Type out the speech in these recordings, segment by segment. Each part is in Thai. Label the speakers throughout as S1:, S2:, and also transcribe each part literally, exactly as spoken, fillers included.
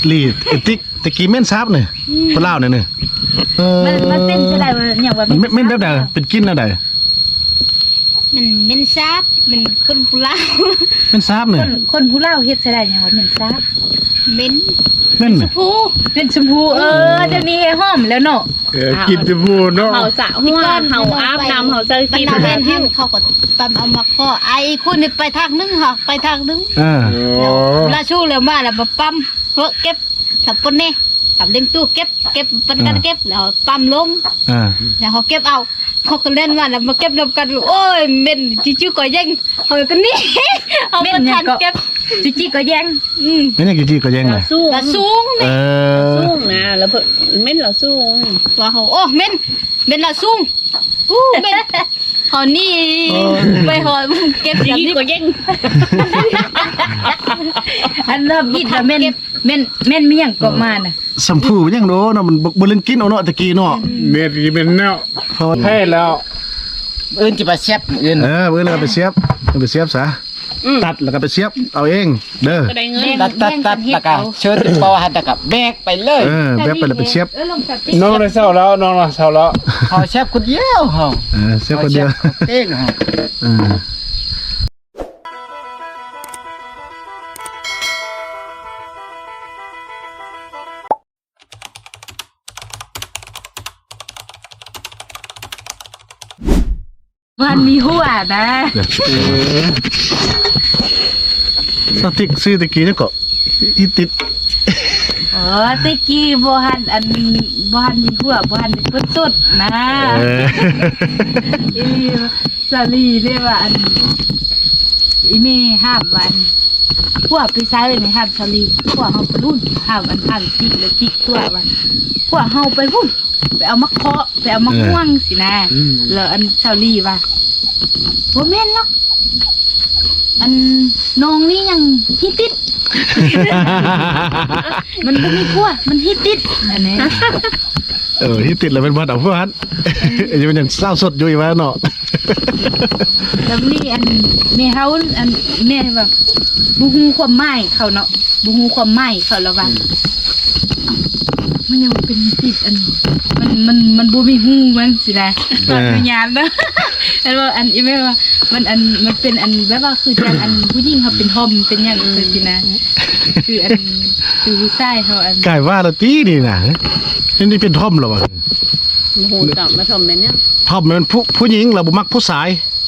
S1: ลีดติ๊กตะกี้เม่นซับเนี่ยคนเล่าเนี่ยเนี่ย
S2: มันมันเป็นใช่ไหมอย่างว่า
S1: มันเม่นแบบไหนเป็นกินอะไร
S3: มันเป็นซาบมันคนผู้เล่า
S1: เม่นซับเนี่ย
S2: คนคนผู้เล่าเฮ็ดใช่ไหมอย่างว่าเหม็นซาบ
S3: เป็น
S1: เม่นเนี่ย
S3: ผู้
S2: เป็นชมพูเออเดี๋ยวนี้ให้หอมแล้วเนาะ
S4: เออกินจะพูดเนาะ
S5: เฮาสะหัวเฮาอาบน้ำเฮาเจอ
S3: มัน
S5: กิน
S3: เอา
S5: แบ
S3: เป็
S5: บ
S3: น
S5: นี้
S3: หันเขาก็ปั๊มเอามาข้อไอ้คนนี่ไปทางนึงค่ะไปทางนึง
S1: อ่า
S4: อ๋อ
S3: ลาชูแล้วมาแล้วมาปั๊มเฮ้เก็บกับปนนี่กับเลี้ยงตู้เก็บเก็บปันกันเก็บแล้วปั๊มลง
S1: อ่า
S3: แล้วเขาเก็บเอาเขาก็เล่นมาแล้วมาเก็บรวมกันโอ้ยเม็นจิ้วๆก็ยังเขาก็นี่เอามาทันเก็บ
S2: จิจิก็แย่ง
S3: อืม
S1: ไม่เนี่ยกี่จีก็ยังไง
S5: สู้
S3: ละสูง
S1: เอ
S3: นี่
S1: อ
S5: สู้นะแล้วเพิ่นเม่นเราสู้
S3: ว่าเขาโอ้เม็นเม็นละสูงอู้เม็นเขานี่ไปหอเก็บอย่าง
S5: ยิ่ง
S3: นี้
S5: กว่ายิ่ง
S2: อันเริ่มยิดแล้วเม่นเม่นเม่นมีหยังก็มาน่ะ
S1: สัมผูยังโดเนาะมันบริเวณกินเอาเนาะตะกี้เนาะ
S4: เม็ดที่เป็นเนาะ
S1: เพราะ
S4: ให้แล้ว
S6: อื่นจะมาแซ่บอื่น
S1: เออเพื่อนเราไปเสียบไปเสียบซะตัดแล้วก็ไปเสียบเอาเองเด้อ
S5: ก็ได้เงิน
S6: ตัดตัดตัดแล้วก็เชิญปอหันตะกับแบกไปเลย
S1: เออแบบไปแล้วไปเสียบ
S2: เออลงกับติ๊ก
S4: น้องได้เศร้าแล้วน้องได้เศร้าแล้ว
S6: เขาแซ่บคนเดียวเฮา
S1: เออเสียบคนเดียว
S6: เองเฮา
S1: เออ
S2: วันมีหัวนะ
S1: สติ๊กซื้อตะกี้นี่ก็อีติด
S2: เออตะกี้บ่หันอันบ่หันมีหัวบ่หันเป็นคนสุดนะ
S1: เออ
S2: อีสาลีเรียกว่าอันอีเมห้ามวันพวกไปซ้ายนี่ห้ามสาลีพวกเฮาไปรุ่นห้ามอันห้ามจิกเลยจิกตัววันพวกเฮาไปพุ่นไปเอามะเคาะไปเอามะม่วงสินะแล้วอันสาลีว่าบ่แม่นหรอกอันน้องนี่ยังฮิตติด มันบ่มีพัวมันฮิตติดอันนี้
S1: เออที่ติดแล้วเป็นบ้านเอาพวกนั้นยังเป็นอย่างเศร้าสดอยู่อีกแล้วเนาะ
S2: แล้วนี่อันแม่เฮาอันแม่แบบบ่ฮู้ความหมายเขาเนาะบ่ฮู้ความหมายเขาแล้วว่ามันยังเป็นติดอันมันมันมันบ่มีฮู้มันสินะตอนวิญญาณเนาะ อันว่าอันอีแม่ว่ามันอันมันเป็นอันแบบว่าคือจังอันผู้หญิงเขาเป็นทอมเป็นหยังจังซี่นะคืออันคือผู้ชายเขาอัน
S1: กลายว่าละตีนี่นะนี่นี่เป็นทอมเหรอวะ
S5: โอ้โหจับมาทำแบบเนี้ย
S1: ทอมมันผู้ผู้หญิงเราบ่มักผู้ชาย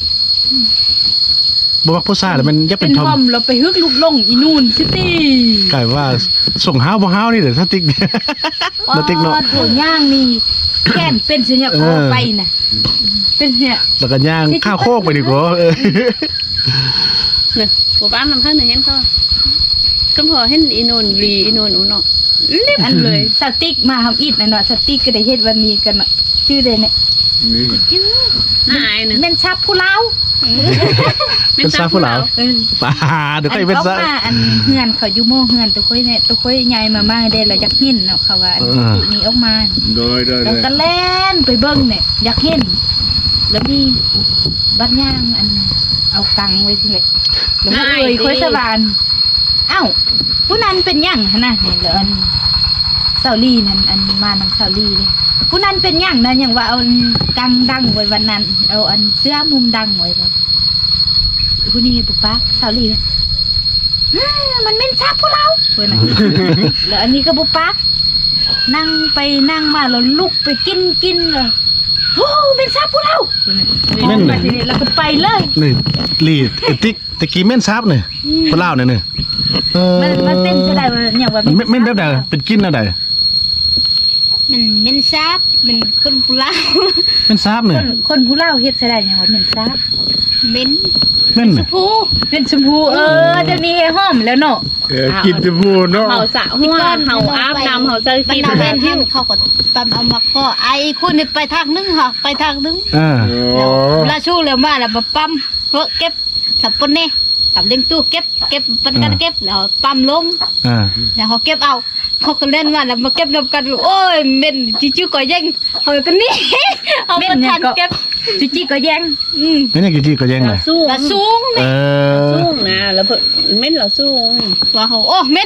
S1: บ่มักผู้ชายแล้วมันจะเป็
S2: เป็น น
S1: ทอ
S2: ทอ
S1: ม
S2: มเราไปฮึกลูกลงอีนู่นซิตี้
S1: กลายว่าส่งห้าวบ่ห้าวนี่เดี๋ยวสติ๊กสติ๊กเนาะ
S2: โถย่างนี่แค่นเป็นเสียเนี่ย
S1: เอ
S2: โอ
S1: อ
S2: ไปน่ะเป็นเนี่ย
S1: แล้วก็ย่างข้าวโคกไปดีกว่าเออ
S5: เนี่ยปู่ป้ามันพันหนึ่งเห็นเขาก็พอเห็นอีนนลีอีนนอูเนาะเล็บ
S2: อันเลยสติ๊กมาทำอิดนะเนาะสติ๊กก็ได้เฮ็ดวันนี้กันเนาะชื่อเลยเนี่ย
S4: นี่
S5: น่าอายหนึ่ง
S2: แม่นชับผู้เล่า
S1: เป็นซาผู้เหลา
S2: เออ
S1: ป่าเดี๋ยว
S2: อั
S1: ค่อย
S2: น
S1: เป็น
S2: เขา
S1: ซา
S2: มาอันเฮือนเขาอยู่โม่เฮือนตัวค่อยเนี่ยตัวค่อยใหญ่มามาได้แล้วอยากเห็นเนาะเขาว่าอัน
S1: เออ
S2: ตุนี้ออกมา
S4: โดยโดยโด
S2: แล้ว
S4: ย
S2: ก็แล่นไปเบิ่งเนี่ยอยากเห็นแล้วมีบัดย่างอันเอาตังไว้ที่เลยแล้วก็เอ่ยค่อยสวานเอ้าผู้นั้นเป็นหยังหั่นน่ะนี่แล้วอันเซาลี่นั่นอันมานำเซาลี่เลยผู้นั้นเป็นหยังนะหยังว่าเอาอันกังดังไว้วันนั้นเอาอันเสื้อมุมดังไว้เลยผู้นี้ปุ๊บปั๊กเซาลี่เลยอ้ามันเป็นชาผู้เราเพิ่นน่ะ แล้วอันนี้ก็ปุ๊บปั๊กนั่งไปนั่งมาแล้วลุกไปกินกินเลยโอ้เป็นชาผู้เราเพิ่นน่ะ
S1: แม่น
S2: มาทีนี้แล้วก็ไปเลย
S1: นี่ลีดติ๊กตะกี้เม่นซับเนี่ยคนเล่าเนี่ยเนี่ยเออ
S2: มันมันเป็นจะได้ว่าอย่างว่า
S1: มันเม่นแบบไหนเป็นกินอะไร
S3: มันเป็นซาบมันคนผู้เล่า
S1: เป็นซับ
S2: ค
S1: เนี่ย
S2: นคนผู้เล่าเฮ็ดจะได้อย่างว่าเหม็นซาบ
S3: เป็น
S1: เม่นเนี่ย
S3: ผู้
S2: เป็นชมพูเออเดี๋ยวนี้ให้หอมแล้วเนาะ
S4: เออกินจะพูดเนาะ
S5: เฮาสะหัวเฮาอาบน้ำเฮาเจอ
S3: มัน
S5: กิน
S3: เอา
S5: แบ
S3: เป็
S5: บ
S3: น
S5: นี้
S3: หันเขาก็ปั๊มเอามาข้อไอ้คนนี่ไปทางนึงค่ะไปทางนึง
S1: อ่า
S4: อ๋อ
S3: ลาชูแล้วมาแล้วมาปั๊มเฮ้เก็บกับปนนี่กับเลี้ยงตู้เก็บเก็บปันกันเก็บแล้วปั๊มลง
S1: อ่า
S3: แล้วเขาเก็บเอาเขาก็เล่นมาแล้วมาเก็บรวมกันโอ้ยเม็นจิ้วๆก็ยังเขาก็นี่ เอามาทันเก็บ
S2: จิจิก็แย่ง
S3: อืม
S1: ไม่เนี่ยกี่จีก็ยังไง
S5: เราสู้
S3: ละสูง
S1: เอ
S3: นี่
S1: อ
S5: สู้นะแล้วเพิ่นเม่นเราสู้
S3: ว่าเขาโอ้เม็น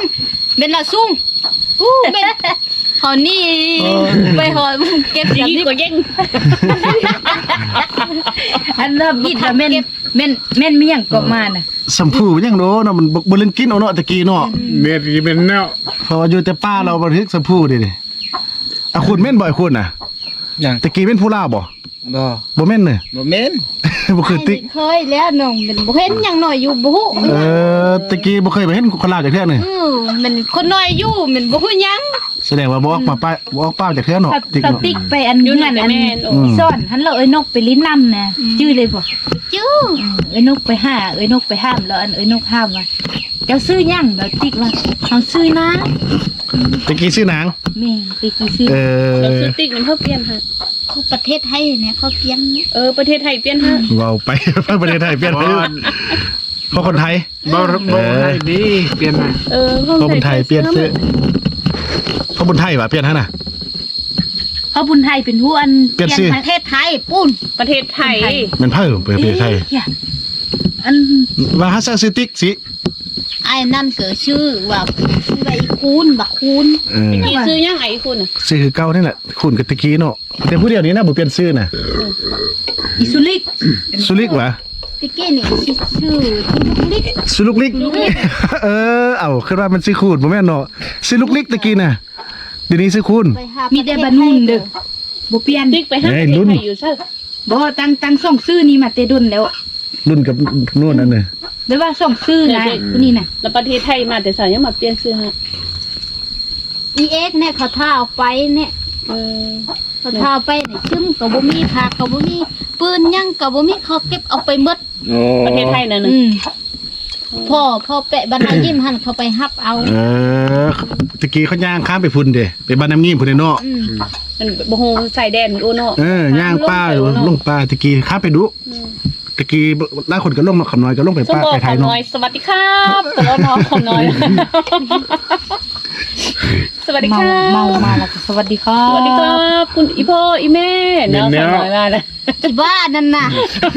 S3: เป็นละซุ่งอู้เป็นหอนี่ไปหอเก็บ
S5: ดี
S3: แบบนี้
S5: กว่าเย่ง
S2: อันเริ่มบิดแล้วแม่นแม่นแม่นมีหยังก็มาน่ะ
S1: สัมผูมันยังโดเนาะมันบ่บ่เล่นกินเอาเนาะตะกี้เนาะ
S4: เม็ดที่เป็นแนว
S1: เพราะว่าอยู่แต่ป้าเราบันทึกสัมผูดิดิอ่ะคุณแม่นบ่ไอ้คุณน่ะ
S6: ยัง
S1: ตะกี้แม่นผู้ลาวบ่
S6: บ่
S1: บ่แม่นเด้
S6: บ่แม่น
S1: บ่เคยติ
S3: เคยแล้วน้องเป็นบ่เห็นหยังน้อยอยู่บ่ฮู้
S1: เออตะกี้บ่เคยไปเห็นคนลาวจักเทื่อนึง
S3: อือมันคนน้อยอยู่มันบ่ฮู้หยัง
S1: แสดงว่าบ่ออกมาป้าบ่ออกป้าจากเทื่อเนาะ
S2: ถ้า
S1: ติ๊ก
S2: ถ้า
S1: เนาะ
S2: ติ๊กไปอัน
S5: อยู่
S2: เงื่
S5: ไหน
S2: อน
S5: กั
S2: อั
S5: น
S2: น
S5: แม่น
S1: อืม
S2: ซ่อนหันเราเอ้ยนกไปลิ้นน้ำนะจื้อเลยบ่
S3: จื้อ
S2: เอ้ยนกไปห้าเอ้ยนกไปห้ามแล้วอันเอ้ยนกห้ามว่าเจ้าซื้อหยังเดี๋ยวติ๊กว่าเขาซื้อนะ
S1: ตะกี้ชื่อนาง
S2: แม่ไปกี่ซื้อ
S1: เออ
S5: เราซื้อติ๊กน้ำเพิ่มเปลี่ยนฮะ
S3: เขาประเทศไทยเนี่ยเขาเปลี่ยน
S5: เออประเทศไทยเปลี่ยนฮะ
S1: เว้าไป ประเทศไทยเปลี่ยนไปเพราะคนไทย
S4: บ่บ่ให้ดีเปลี่ยนให้
S5: เออ
S1: เพราะคนไทยเปลี่ยนซื้อเพราะคนไทยว่ะเปลี่ยนฮะน่ะ
S2: เขาบุญไทยเป็นผู้อัน
S1: เปลี่ยนชื่อ
S3: ประเทศไทยปุ้น
S5: ประเทศไทย
S1: มันเพิ่มประเทศไทย
S2: เหี้ยอัน
S1: ว่าฮัสซาซิติกสิ
S3: ไอ้นั่นเกิดชื่อว่าชื่อใบคูนบักคูน
S1: เออ
S5: กี่ซื้อยังไงคุณอ่ะ
S1: ชื่อคือเก่านี่แหละคุณกับตะกี้เนาะแต่ผู้เดียวนี้นะบ่เปลี่ยนชื่อน่ะ
S2: อิสุลิก
S1: สุลิกว่ะ
S3: ตะกี้นี่ชื่อชื่อทุลิก
S1: สุลุกลิก เออเอ้าคือว่ามันชื่อคูณบ่แม่นเนาะชื่อลุกลิกตะกี้น่ะเดี๋ยวนี้ชื่อคูณ
S3: ไปหา
S2: มีแต่บานุนเด้อบ่เปลี่ยน
S5: ติ๊กไปห้า
S1: เฮ้
S5: ป
S1: ย
S5: ระเท
S1: รุ่
S5: ศ
S1: น
S5: ไทยอยู่ใช่
S2: บ่ตั้งตั้งส่งซื้อนี่มาแต่ดุนแล้ว
S1: รุ่นกับนู่นนั่นน่ะ
S2: เดี๋ยวว่าส่งซื้อนะผู้นี้น่ะ
S5: แล้วประเทศไทยมาแต่สายยังมาเปลี่ยนซื้อฮะ
S3: อีเอ็กเนี่ยเขาท่าเอาไปเนี่ย
S5: เออ
S3: เขาท่าเอาไปเนี่ยชึ้มกับบ่มีผักกับบ่มีปืนหยังกับบ่มีเขาเก็บเอาไปหมด
S4: โอ้
S5: ประเทศไทยนั่น
S2: อื
S5: น่ะ
S2: ม
S3: พ่อพ่อแปะบรรณายิ้มหันเขาไปฮับเอา
S1: เออตะกี้เขาย่างข้ามไปพุ่นเด้ไปบ้านน้ำงิ้มพุ่นเด้เนาะ
S3: อืม
S5: มันบ่ฮู้ใส่แดนโอโน
S1: เออย่างป้าลงป้าตะกี้ข้ามไปดูตะกี้หลายคนก็ลงมาขำน้อยก็ลงไป
S5: สม
S1: ป้า
S5: บอก
S1: ไปไท
S5: ขอย
S1: เนาะ
S5: น้อยสวัสดีครับตลอดน้องขอน้อย สวัสดี
S2: เมา
S5: ครับ
S2: เมามาแล้วก็สวัสดีครั
S5: ส
S2: บ
S5: วัสดีครับคุณอีพ่ออีแม่เนาะขอน้อยมาแล้ว
S3: ที่บ้านนั่นน่ะ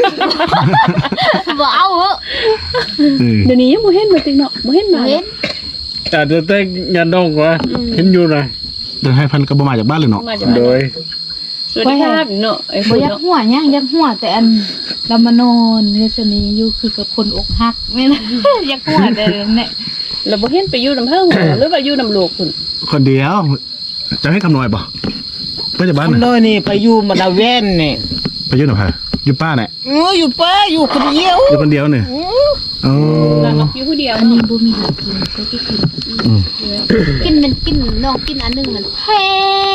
S3: บ่เอาเหอะ
S1: เออ
S5: เดี๋ยวนี้ยังบ่เห็นมาจริงเนาะบ่เห็นมา
S3: เห็น
S4: แต่เดี๋ยวแต่งานดองกว่าเห็นอยู่หน่อย
S1: เดินให้พันก็บ่มาจากบ้านเลยเนาะ
S5: มาจาก
S4: โดย
S5: สวัสดีครับเนาะไอ้
S2: บ่
S5: คน
S2: อยาก
S5: เนาะ
S2: หัวย่างอยากหัวแต่อันเรามานอนเฮ็ดซะนี้อยู่คือกับคนอกหักแม่น อยากหัวแต่เนี่ย
S5: แล้วบ่เห็นไปอยู่น้ำเพิ่งหรือว่าอยู่น้ำโลกคุณ
S1: คนเดียวจะให้คำน้อยบ่เพื่อจะบ้าน
S6: คน
S1: น่ะ
S6: น้อยนี่ไปอยู่มาดาเวนนี่
S1: ไปอยู่หน่อยพะอยู่ป้าเนี่ย
S6: เอออยู่ป้าอยู่คนเดียว
S1: อยู่คนเดียวเนี่ยอ๋อ
S5: แล้วก็อยู่ผู้เดียว
S2: อันนี้บ่มีเหลือกินก็ที่กิน
S3: กินมันกินน้องกินอันหนึงมันเผ็ด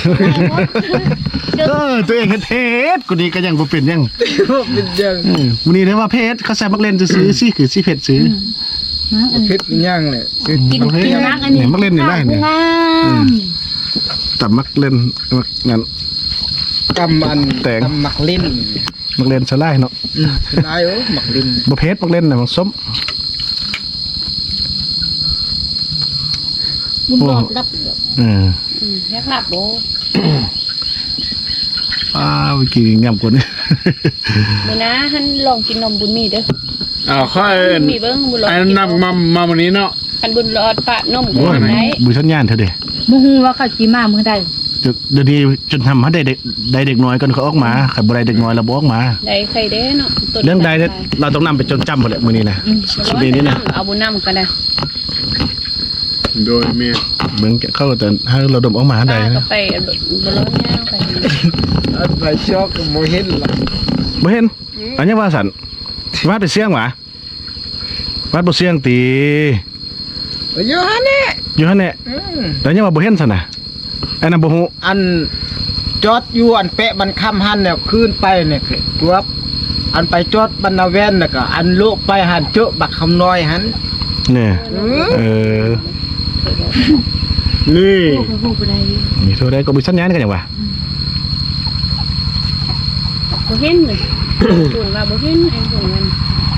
S1: เออตัวเองเฮ็ดเพชรกูนี่ก็ยังบ่เป็นยัง
S6: เป็นยัง
S1: เออวันนี้ได้ว่าเพชรเขาใส่มักเล่นซื้อๆสิคือสิเพชรซื้อ
S2: นะอัน
S6: เพชรยังเลย
S2: กิน
S1: โอเค
S2: กินนักอันนี้
S1: เนี่ยมักเล่นนี่ได้เนี่ย
S2: งาม
S1: แต่มักเล่นมักงั้น
S6: กำอัน
S1: แต่ง
S6: กำหมักลิ้น
S1: มักเล่นสลายเนาะ
S6: อืมได้โอ้หมักลิ้น
S1: บ่เพชรมักเล่นน่ะมันส้ม
S3: บุญรอดรับ
S1: เออ
S5: อืมอยากหลับบ่
S1: อ้าวเมื่อกี้งามกว่านี้
S5: มื้อนะหันลองกินนมบุญมีเด้อ
S4: อ้าวค่อย
S5: บุญมีเบิ่งบุญรอด
S4: ไอ้นำมามาวันนี้เนาะ
S5: คันบุญรอดปะนมก็
S1: โอ้ย
S5: ได้
S1: บุญชันยานเธอเด้
S2: บ่ฮู้ว่าเขาสิมามื้อใด
S1: เดี๋ยวเดี๋ยวนี้จนทำให้ได้เด็กได้เด็กน้อยก่อนเขาออกมาใครบ่ได้เด็กน้อยแล้วบ่ออกมา
S5: ได้ใครเด้เนาะต้น
S1: เรื่องใดเนี่ยเราต้องนำไปจนจำหมดแหละมื้อนี้นะชีวิตนี้นะ
S5: เอาบุญนำก็ได้
S4: โดยเมีย
S1: เหมือนเข้าแต่ให้เราดมออกมาใด
S5: ป้าก็
S1: นะ
S5: ไปบุญรอดย่างไป
S6: อันไปชอกโมเห็นหรอก
S1: บ่เห็นอันนี้ว่าสันวัดไปเสียงหวะวัดบ่เสียงตี
S6: อยู่ฮะนี่
S1: อยู่หั่นแหละ
S6: อืม
S1: แล้วยังว่าบ่เห็นซั่นน่ะอันนั้นบ่ฮู้
S6: อันจอดอยู่อันเปะบันคำหันเนี่ยขึ้นไปเนี่ยคือตัวอันไปจอดบรรณาเวนน่ะก็อันโลกไปหันเจาะบักคำน้อยหัน
S1: นี่
S6: อืม
S1: เออ
S4: นี่
S2: ฮู้ฮู้บ่ได้
S1: มีเท่าใดก็มีสัญญาณกันหยังวะ
S5: บ่เห็นเลยคุณว่าบ่เห็นไอ้คนนั้น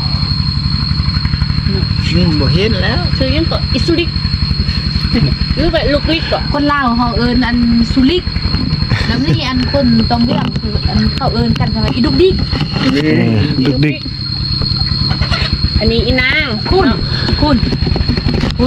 S6: อืมบ่เห็นแล้ว
S5: คือยังก็อิสุริกหรือแบบลูกลิกก็
S2: คนลาวเฮาเอิ้นอันสุลิกแล้วนี่อันคนตองเรื่องคืออันเขาเอิ้นกันว่าอีดุกดิก
S1: เออดึกดิก
S5: อันนี้อีนาง
S2: คุณคุณคุณ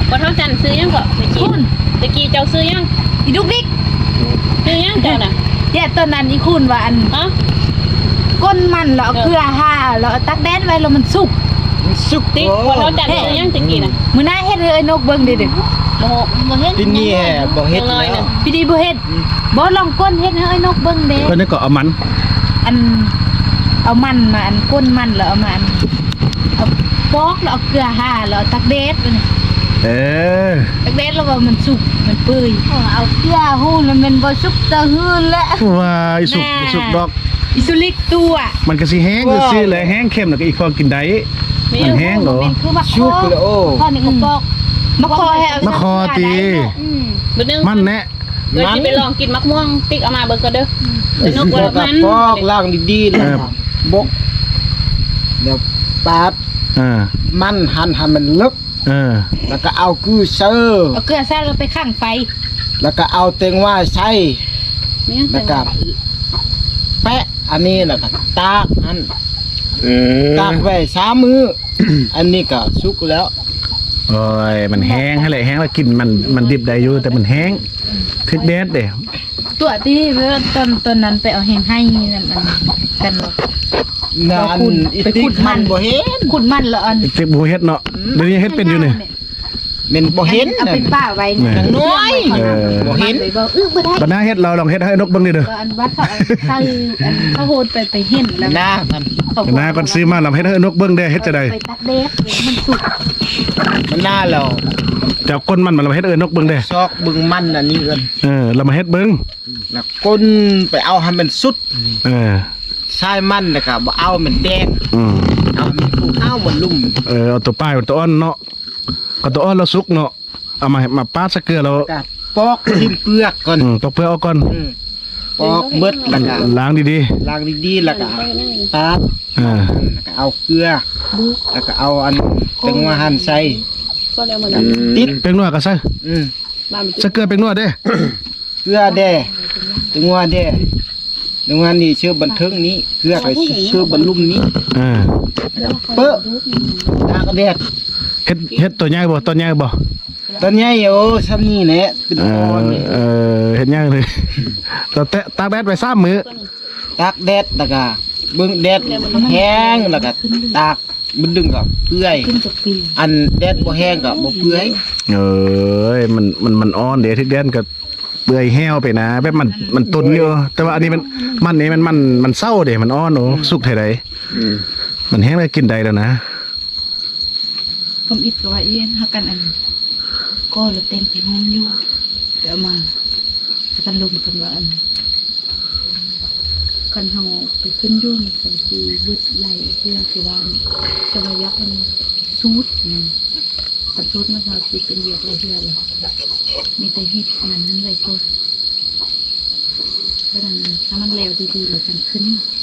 S5: พอเท่าจันซื้อยังก็ตะกี้ตะกี้เจ้าซื้อยัง
S2: อีดุกดิก
S5: ซื้อยังเจ้าน่ะ
S2: แย่ตอนนั้นอีคุณว่าอัน
S5: ฮะ
S2: ก้นมันแล้วเอาเกลือห่าแล้วเอาตักแดดไว้แล้วมันสุก
S6: สุก
S5: ติ๊กพอเท่าจันซื้อยังตะกี้น่ะ
S2: มื้อหน้าเฮ็ดให้ไอ้นกเบิ่งเด้อเด้อ
S5: โมโมเฮ็ด
S6: ที่นี่แห่บ่เฮ็ด
S5: ยังน้อย
S6: แล้
S5: น่ะ
S6: ว
S2: พี่ดีบ่เฮ็ดบ่ลองก้นเฮ็ดให้ไอ้นกเบิ่งเด้
S1: เพิ่นนี่ก็เอามัน
S2: อันเอามันมาอันก้นมันแล้วเอามาอันเอาปอกแล้วเอาเกลือห่าแล้วเอาตักแดดไปนี่
S1: เออ
S2: ตักแดดแล้วว่ามันสุกมันเปื่อย
S3: เอาเกลือหูแล้วมันบ่สุกตะหืนแล้ว
S1: ว่าอีสุกอีสุกดอก
S2: อิสุลิกตัว
S1: มันก็สิแห้งซื่อๆเลยแห้งเข้มแล้วก็อีกพอกินได้มันแห้งเหรอ
S3: เป็นคือมะข
S6: สุ
S3: อก
S6: แล้วโอ้
S3: ข้อนี้ก็ปอก
S2: มะคอให้เอา
S1: มะคอตี
S3: อืม
S5: มื้อนึง
S1: มันแน่
S5: เดี๋ยวสิไปลองกินมะม่วงติ๊กเอามาเบิ่งก็เด้อเดี๋ยวนกว่า
S6: แล้วก็
S5: มัน
S6: ปอกล้างดีๆแล้วก็บกเดี๋ยวปาด
S1: อ่า
S6: มันหั่นให้มันลึก
S1: เออ
S6: แล้วก็เอากือเซอร์
S2: เอาเกลือใส่แล้วไปข้างไฟ
S6: แล้วก็เอาเตงว่าใส่
S5: เนี่ย
S6: แล้วก็แปะอันนี้แล้วก็ตากอัน
S4: เออ
S6: ตากไว้สามมื้อ อันนี้ก็สุกแล้ว
S1: โอ้ยมันแห้งให้แหละแห้งแล้วกินมันมันดิบได้อยู่แต่มันแห้งทึกแดดเด้
S2: ตัวที่เพื่อนตอนตอนนั้นไปเอาแหงให้นั่นอันกันหรอก
S6: นั่
S2: ไป
S6: น
S2: ขุด
S6: อี
S2: ไป
S6: ติ๊
S2: ขุ
S6: ก
S2: ดมั
S6: มัน นบ่เห็น
S2: ขุดมันแล้วอัน
S1: เจ็บบ่เฮ็ดเนาะเดี๋ยวนี้เฮ็ดเป็นอยู่นี่
S6: มันบ่เห็น
S2: เอาไปป้าไว้
S1: แหม่
S6: อย่างน้อย
S1: เออ
S6: บ่เห็น
S2: ไปบอกเออบ่ได้
S1: บัดหน้าเฮ็ดเราลองเฮ็ดให้นกเบิ่งดิเด้อ
S2: ก็อันวัดเขาเอาใส่อันเขาโหดไปไปเห็นแล้ว
S6: หน้ามัน
S2: เขา
S1: บัดหน้าก่อนซื้อมาลองเฮ็ดให้นกเบิ่งได้เฮ็ดจะได้
S2: ไปตักเด็ดมันสุก
S6: มันหน้าเรา
S1: จะเอาก้นมันมาเราเฮ็ดเอ้นกเบิ่งได้
S6: ซอกบึงมันอันนี้กัน
S1: เออเรามาเฮ็ดเบิ่ง
S6: แล้วก้นไปเอาให้มันสุด
S1: เออ
S6: ใช้มันนะครับบ่เอามันแดง
S1: อืม
S6: เอาให้มันฟูข้าวมันลุ่ม
S1: เออเอาตัวป้ายเอาตัวอ้อนเนาะก็ตัวอ้อนเราสุกเนาะเอามามาปาดสักเกลือเรา
S6: ก็ปอกทิ่มเปลือกก่อน
S1: อืมตอกเพื่อเอาก่อน
S6: อืมปอกเบิดแล้วก็
S1: ล้างดี
S6: ล้างดีๆแล้วก็ปาด
S1: ๆอ่า
S6: แล้วก็เอาเกลือแล้วก็เอาอันแตงว่าหั่นใส่
S5: ก็แล้วมื้อนั้น
S6: ติด
S1: เป็งนัวก็ใส่
S6: อืม
S5: บ้านมัน
S1: สักเกลือเป็งนัวเด้
S6: เกลือแดแตงว่าแดแตงว่านี่ชื่อบันเทิงนี้เกลือก็ชื่อบรรลุมนี้
S1: อ่า
S6: เป๊ะตากแดด
S1: เฮ็ดเฮ็ดตัวใหญ่บ่ตัวใหญ่บ่
S6: ตอนนี้โอ้ซ้ำนี่แหละเป็น
S1: เอ
S6: อ่อ
S1: อน
S6: นี่
S1: เออเฮ็ดใหญ่เลยเราแตะตากแดดไว้สามมื้อ
S6: ตากแดดแล้วก็เบิ่งแดดแห้งแล้วก็ตากมันดึงก็เปื่อย
S2: ขึ้นจากปี
S6: อันแดดบ่แห้งก็บ่เปื่อย
S1: เอ้ยมันมันมันอ่อนเด้ทึกแดนก็เปื่อยแห้วไปนะแบบมันมันตุนอยู่แต่ว่าอันนี้มันมันนี่มันมันมันเศร้าเด้มันอ่อนโอ้สุกเท่าใดมันแห้งแล้วกินได้แล้วนะ
S2: ผมอิดก็ว่าเอียนหากันอันก็เลยเต็มไปห้องอยู่เดี๋ยวมากันลุมกันว่าอันกันเฮาไปขึ้นยุ่งกันสิยึดไหลเพื่อสิว่าจะมายักอันซูดนะแต่ซูดมันก็สิเป็นเหยียบอะไรเพื่อเลยมีแต่ฮิตอันนั้นนั่นเลยก็เพราะฉะนั้นถ้ามันเร็วดีๆเราจะขึ้น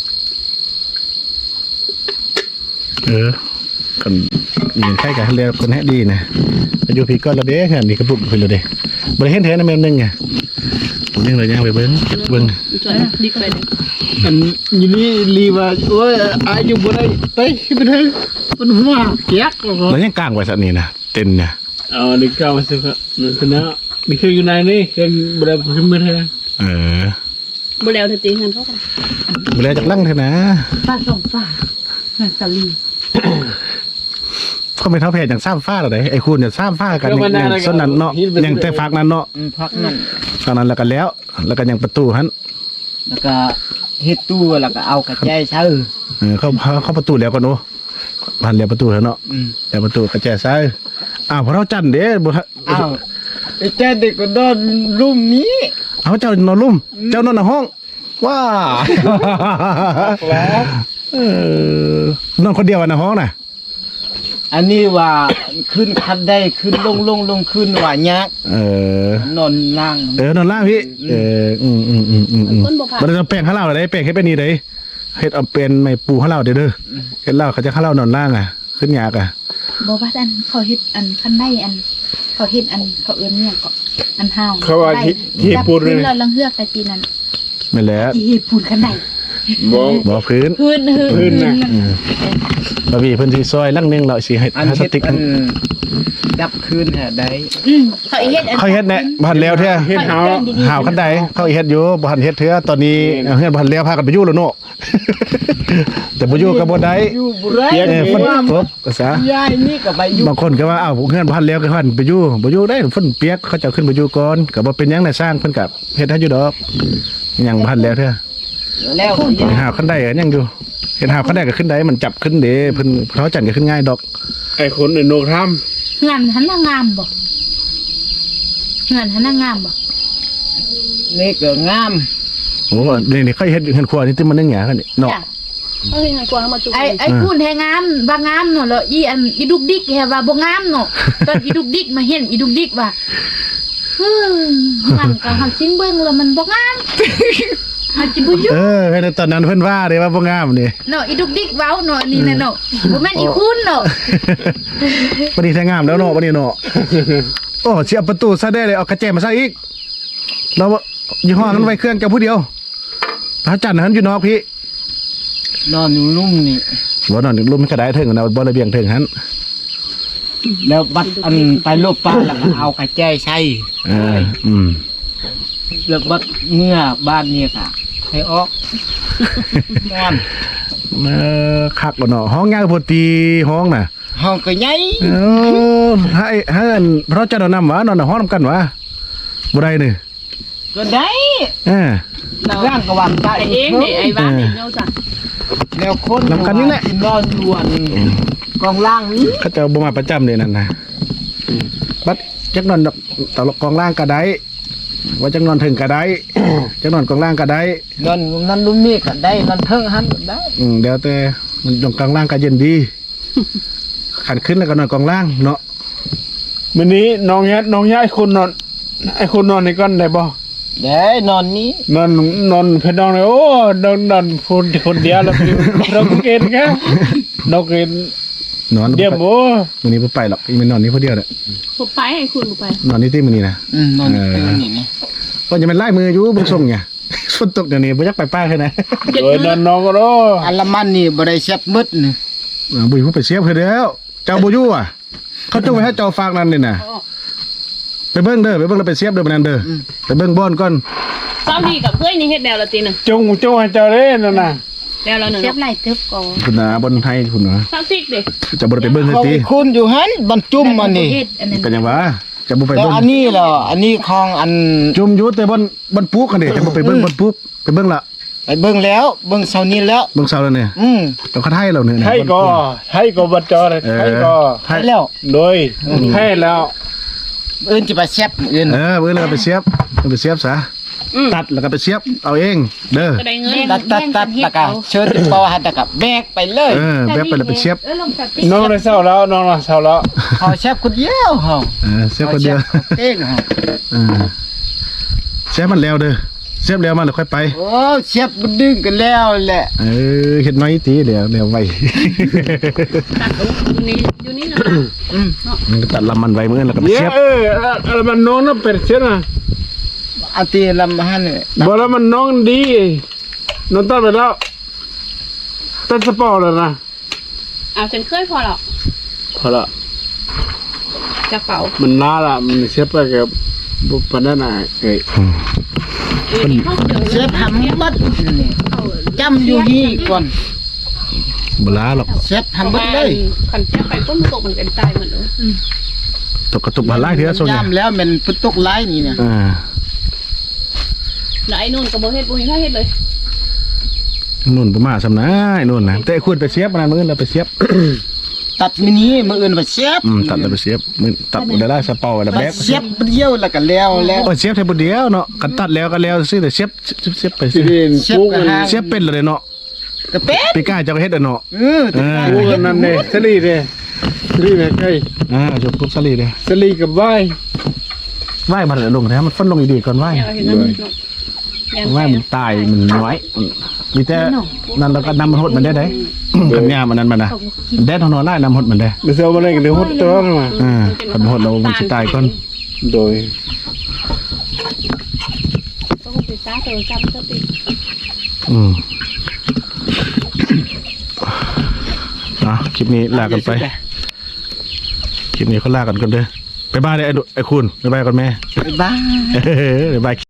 S1: เออคนยิงใครกันเรียกคนแฮดีนะอายุพี่ก็ระเด้งานนี่ก็ปลุกไปเลยเด้บ่ได้เห็นแท้นะแม่นนึงไงนึงเลยย่างไปเบิ่งเบิ่ง
S5: จวนดิกไปเลย
S6: อันอยู่นี่ลีว่าโอ้ยอายุบ่ได้ไปไปเถอะมันหัวเกียก
S1: แล้วยังกลางไว้สักนี่นะเต็นเนี่ย
S4: เอาดิกเอามาสิครับนั่นคือนะนี่คืออยู่ไหนนี่คือบ่ได้ขึ้นมาเท่า
S1: เออ
S5: บ่แล้วเธอตีหันเขากัน
S1: บ่ได้จักลังเท่านะ
S2: ฟ้าสองฟ้าสลี
S1: เขาไม่เท่าแพทย์อย่างซ้ำฟ้าหรอไดไอ้คุณเนี่ยซ้ำฟ้ากันอย่างส่วนนั้นเนาะอย่างแต่ฝากนั้นเนาะ
S6: อืมพักนั่น
S1: ฝากนั้นแล้วก็แล้ว แล้วก็ยังประตูหัน
S6: แล้วก็เฮ็ดตู้แล้วก็เอากระจายเช้า
S1: เออเข้าเข้าประตูแล้วก็โน้ผ่านแล้วประตูแล้วเนาะ
S6: อืม
S1: แล้วประตูกระแจซ้ายอ้าวพอเราจันเด้บ่
S6: อ้าวไอ้แจ้เด็กก็นอนรุ่มนี้
S1: เอาเจ้านอนลุ่มเจ้านอนในห้องว้าเออนอนคนเดียวในห้องน่ะ
S6: อันนี้ว่าขึ้นคันได้ขึ้นลงลงลงขึ้นว่ายาก
S1: เออน
S6: อนล่าง
S1: เออนอนล่างพี่เอออืมอืมอืมอืมอืม
S5: คนบ่ผ่าน
S1: มันจะแป้งข้าวเหล้าอะไรแป้งให้เป็นนี่เลยเฮ็ดเอาเป็นไม่ปูข้าวเหล้าเด้อเด้อเฮ็ดเหล้าเขาจะข้าวเหล้านอนล่างอ่ะ ขึ้นยากอ่ะ
S2: บอกว่าอันเขาเฮ็ดอันคันได้อัน เขาเฮ็ดอันเขาเอื้อนเนี่ยก็อันห้าว
S4: เขาว่าที่ที่ปูน
S2: เล
S4: เลย ย
S2: เราลังเฮือกแต่จีนั้น
S1: ไม่แล้ว
S2: ที่เฮ็ดปูนคันได้
S4: บ่
S1: บ่พื้น
S2: พื้นพื้น
S4: พื้นน่ะ
S1: อืมบะหมี่เพิ่นสิซอยลังนึงแล้วสิให้
S6: อัน
S1: ให้ส
S6: เฮ็ด
S1: ติ๊ก
S6: อันจับคืนแห่ได้
S2: อืมเขาอีเฮ็ดอัน
S1: เขาเฮ็ดแน่บ่ทันแล้วเท่า
S4: เฮ็ดเฮา
S1: หาวคันใดเขาเฮ็ดอยู่บ่ทันเฮ็ดเถื่อตอนนี้เฮือนบ่ทันแล้วพากันไปอยู่แล้วเนาะ แต่บ่อยู่ก็บ่ได้
S6: อยู่บ่ได้
S1: เออฝนตกก็ซะ
S6: ยายนี่ก็ไปอยู่
S1: บางคนก็ว่าอ้าวเฮือนบ่ทันแล้วก็พันไปอยู่บ่อยู่ได้ฝนเปียกเขาเจ้าขึ้นไปอยู่ก่อนก็บ่เป็นหยังน่ะสร้างเพิ่นก็เฮ็ดให้อยู่ดอกยังบ่ทันแล้วเด้อ
S6: แล้วก็ยาย
S1: หาวคันใดก็ยังอยู่เฮ็ดหาวคันใดก็ขึ้นได้มันจับขึ้นเด้เพิ่นเขาจันก็ขึ้นง่ายดอก
S4: ไอ้คนไอ้โนกทำ
S2: งานหันน่ะงามบ่งานหันน่ะงามบ่
S6: นี่ก็งาม
S1: โอ้นี่นี่เขาเฮ็ดเฮือนครัวนี่ที่มันนึงหยังคั่นนี่เนาะ
S2: จ้ะ
S5: เฮ้ยให้กลัวเขามาจุก
S2: ไอ้ไอ้คุณแฮงามว่างามเนาะแล้วอีอันอีดุกดิกแฮว่าบ่งามเนาะตอนอีดุกดิกมาเห็นอีดุกดิกว่าฮึมันก็เฮาสิเบิ่งแล้วมันบ่งามเฮาจิบ่อยู่
S1: เออในตอนนั้นเพิ่นว่าเด้ว่าบ่งามนี่
S2: เนาะอีดุกดิกเว้าเนาะอันนี่น่ะเนาะบ่แม่นอีคุณเนาะ
S1: วันนี้แท้งามแล้วเนาะวันนี้เนาะโอ้เสียประตูซะได้เลยเอากระแจมาซะอีกเรายี่ห้อนั้นไว้เครื่องแกผู้เดียวพระจันทร์นั้นอยู่นอกพี่
S6: นอนอยู่ลุ่มนี่
S1: บ่นอนลุ่มกระไดถึงนะบ่ระเบียงถึงหัน
S6: แล้วบัดอันไปลบปลาแล้วก็เอากระแจใส่
S1: เอออืม
S6: แล้วบัดเมื่อบ้านนี่ค่ะให้ออกนอน
S1: เออคักบ่เนาะห้องยางพอตีห้องน่ะ
S6: ห้องก็ใหญ่
S1: เออให้ให้อันเพราะเจ้าดอกน้ำหวานอนในห้องนำกันวะบ่ได้นี่
S6: ก็ได้
S1: เออ
S6: ร่างก็วางได้
S5: ไอ้เองนี่ไอ้บ้านนี่เนาะจ้ะ
S6: แล้วคน
S1: นำกันนี่แหละ
S6: นอนอยู่อันกองล่างนี้
S1: เขาเจ้าบ่มาประจำเลยนั่นน่ะบัดจักนอนดอกตลกกองล่างก็ได้ว่าจักนอนถึงก็ได้ จักนอนกองล่างก็ได้
S6: นอนนั่นลุ่มนี่ก็ได้นอนเทิงหันก็ได้
S1: อืมเดี๋ยวแต่มันตรงกลางล่างก็เย็นดี ขันขึ้นแล้วก็นอนกองล่างเนาะ
S4: มื้อนี้น้องเฮ็ดน้องย้ายคนนอนไอ้คนนอนในก้อนได้บ่
S6: ได้นอนนี้
S4: นอนนอนเพิ่นนอนเลยโอ้นอนนอนคนคนเดียวแล้วเราก็เกินแค่เราเกิน
S1: นอน
S4: เดี๋ยวโอ้
S1: มื้อนี้บ่ไปหรอกอีมันนอนนี่ผู้เดียวแหละ
S5: ผมไปให้คุณผมไป
S1: นอนนี่ที่มื้อนี้นะ
S6: อืมนอนอยู่เทิงนี่นะ
S1: ก็จะเป็นไล่มืออยู่บ่ส่งไง ฝนตกเดี๋ยวนี้บ่อยากไปป้าแค่ไหน
S4: โดยนอนนอนก็รอ
S6: อันละมันนี่บ่ได้เช็บมืดนี่
S1: เออบ่อยู่ไปเสียบเพิ่นแล้ว เจ้าบ่อยู่อ่ะ เขาจงไว้ให้เจ้าฝากนั่นนี่น่ะไปเบิ่งเด้อไปเบิ่งแล้วไปเสียบเด้อบัดนั้นเด้ออไปเบิ่งบ่อนก่อน
S5: เจ้าดีกับเพื่อนนี่เฮ็ดแนวละตีหนึ่ง
S4: จงจงให้เจ้าเด้นั่นน่ะ
S5: แนวละหนึ่ง
S2: เสียบไหลเติบก่อน
S1: พุ่นน่ะบนไทยพุ่นน่ะ
S5: สักซิกดิ
S1: จะบ่ได้ไปเบิ่ง
S6: ของ
S1: ติ
S6: คุณอยู่หันบรรจุมมันนี่
S2: เฮ็ดอันนั้น
S1: เป็นหยังวะจะบ่ไป
S6: แล้ว
S1: เบิ่ง
S6: อันนี้เหรออันนี้ของอัน
S1: จุ่มอยู่แต่บนบนปุ๊กกันดิจะบ่ไปเบิ่งบนปุ๊กไปเบิ่งละ
S6: ไปเบิ่งแล้วเบิ่งเช้านี้แล้ว
S1: เบิ่งเสาแล้วเนี่ย
S6: อืม
S1: ต้องคัดให้เราเนี่ยนะ
S4: ให้ก็ให้ก็บ่จอเลย
S1: เออ
S4: ให้ก็
S1: ให้
S6: ไปแล้ว
S4: โดยให้แล้ว
S6: เอื่นจะไปแซ่บอื่น
S1: เออเบิ่งแล้วก็ไปเสียบเอาไปเสียบซะตัดแล้วก็ไปเสียบเอาเอง เด้อ
S5: ก็ได้เงิน
S6: ตัดตัดตัดแล้วก็เชิญปอหันแล้วก็แบกไปเลย
S1: เออแวบไปแล้วไปเสียบ
S2: เออลงจากติ๊ก
S4: น้องได้เศร้าแล้วน้องน่ะเศร้าแล้ว
S6: เขาแซ่บคนเดียวเฮา
S1: เออเสียบคนเดียว
S6: ขาแซ่บเองเฮา
S1: เออเสียบมันแล้วเด้อเสียบแล้วมันแล้วค่อยไป
S6: โอ้แซ่บมันดึงกันแล้วแหละ
S1: เออเฮ็ดน้อยตีเดี๋ยวเดี๋ยวไว้
S5: ตัดอยู่นี่อยู่นี่นะ
S6: อืม
S1: มันก็ตัดลำมันไว้มื้อแล้วก็ไป
S4: เนี่ย
S1: เสียบ
S4: เอออะไรมันน้องน่ะเป็นเสียน่ะ
S6: อันที่ลำหันนี่
S4: บ่แล้วมันน้องดีน้องตัดไปแล้วตัดสปอร์ตแล้วนะ
S5: เอาฉันเคยพอหรอก
S4: พอละ
S5: กระเป๋า
S4: มันน่าละมันเสียไปกับบุปผานั่นน่ะเอ้ย
S5: เออนี่เขาเดี๋ยว
S6: แซ่บทำบัดนี่จำอยู่นี่ก่อน
S1: บ่ลาหรอก
S6: แซ่บทำบัดเลย
S5: ขันเสียไปก้นตกมันกันตายหมดเลย
S1: ตกกระตุกบ่หลายเทื่อส่ง
S6: ย่ำแล้วมันพุตกหลายนี่นะ
S1: อ่า
S5: แล้วไอ้นู่นก็บ่เฮ็ดบ่เห็นถ้าเฮ็ดเลย
S1: นู่นบ่มาซำนะไอ้นู่นน่ะแต่ไอ้คุณไปเสียบมันมื้อแล้วไปเสียบ
S6: ตัดมินิมื้ออื่นไปแซ่บ
S1: อืมตัดแล้วไปเสียบมื้อตัดได้ละสะเปาไว้แล้ว
S6: บั
S1: แบ
S6: ด
S1: ก
S6: แซ่บเดียวแล้วก็แล้วแล้ว
S1: โอ้ยเสียบแค่บุเดียวเนาะกันตัดแล้วก็แล้วซื้อแต่เสียบเสียบเสียบไป
S4: สิ
S1: สิ
S4: เรียน
S6: เสียบ
S4: ปุ๊ก
S6: กระ
S4: มัน
S6: หา
S1: เสียบเป็นเลยเนาะ
S6: กระเป็ด
S1: ปีก้าเจะเฮ็ดอะเนาะ
S6: เออแต่
S1: อ่า
S4: ปุ๊กนั่นเด้สลีเด้สลีเด้ใกล้
S1: อ่าจบปุ๊บสลีเด้
S4: สลีกับไหว้
S1: ไหว้มันลงแท้มันฟันลงดีๆก่อนไหว้
S5: เนี่ยเราเห็นนั่นเนาะ
S1: ไหว้มันตายมันน้อยอืมมีแต่นั่นแล้วก็นำมันหดมันได้ได้ขันยามันนั้นมันน่ะแดดเท่านอนได้นำหดมันได้
S4: เดี๋ยวเซลมาเล่นกันเดี๋ยวหดตัวมา
S1: อ่าขันหดเรามันสิตายก่อน
S4: โดย
S5: ก็คงไปซ่าเจอจำสติ
S1: อืมอ่ะคลิปนี้ลากันไปคลิปนี้เขาลากันก่อนเด้อบ๊ายบายเด้อไอ้ดุไอ้คุณบ๊ายบายก่อนแม่
S6: บ๊ายบาย
S1: บ๊ายบาย